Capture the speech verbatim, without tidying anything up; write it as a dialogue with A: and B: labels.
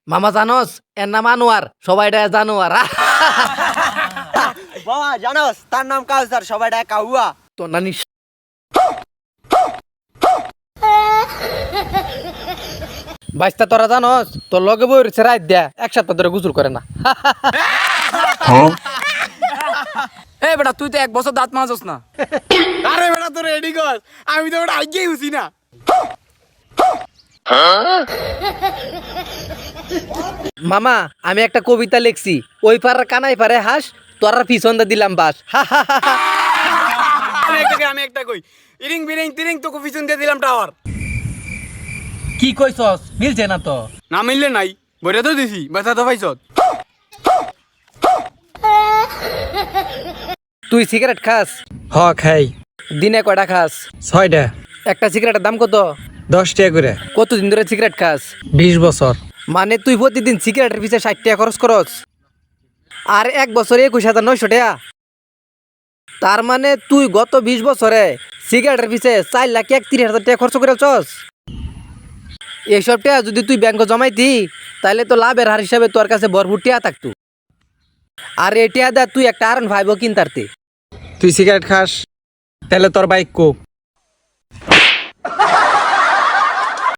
A: মামা জানোস এর নাম আনোয়ার, সবাই ডাকে জানোয়ার।
B: বাবা জানোস তার নাম কাউসার, সবাই ডাকে কাউয়া।
A: তো নানি বাইস্তা তোরা জানোস তোর লগে বই রয়েছে রাত দেয়া এক সপ্তাহ ধরে গুজুর করে না।
C: এ বেটা তুই তো এক বছর দাঁত মাজস না।
D: আরে বেটা তোর রেডি কর, আমি তো ওটা আগেই হুসি না।
A: মামা আমি একটা কবিতা লিখছি, ওই পাড়ার কানাই পারে হাস, তোরা পিছন দিয়ে দিলাম বাস।
D: আমি একটা কই, আমি একটা কই, ইরিং বিরিং তিরিং তো পিছন দিয়ে দিলাম টাওয়ার।
A: কি কইছস মিলছে না তো?
D: না মিললে নাই, বইটা তো দিছি, ব্যথা তো পাইছত।
A: তুই সিগারেট খাস?
E: হ খাই।
A: দিনে কয়টা খাস?
E: ছয়টা।
A: একটা সিগারেটের দাম কত?
E: দশ টাকা করে।
A: কতদিন ধরে সিগারেট খাস?
E: বিশ বছর।
A: মানে তুই প্রতিদিন সিগারেটের পিছিয়ে ষাট টাকা খরচ করস, আর এক বছরে একুশ হাজার নয়শো টাকা। তার মানে তুই গত বিশ বছরে সিগারেটের পিছিয়ে চার লাখ একত্রিশ হাজার টাকা খরচ করে চস। এইসব টাকা যদি তুই ব্যাংকে জমাইতি তাহলে তো লাভের হার হিসাবে তোর কাছে ভরপুর টাকা থাকতো, আর এই টাকা দা তুই একটা আর ভাইবো কিনতারতে।
E: তুই সিগারেট খাস, তাহলে তোর বাইক কো।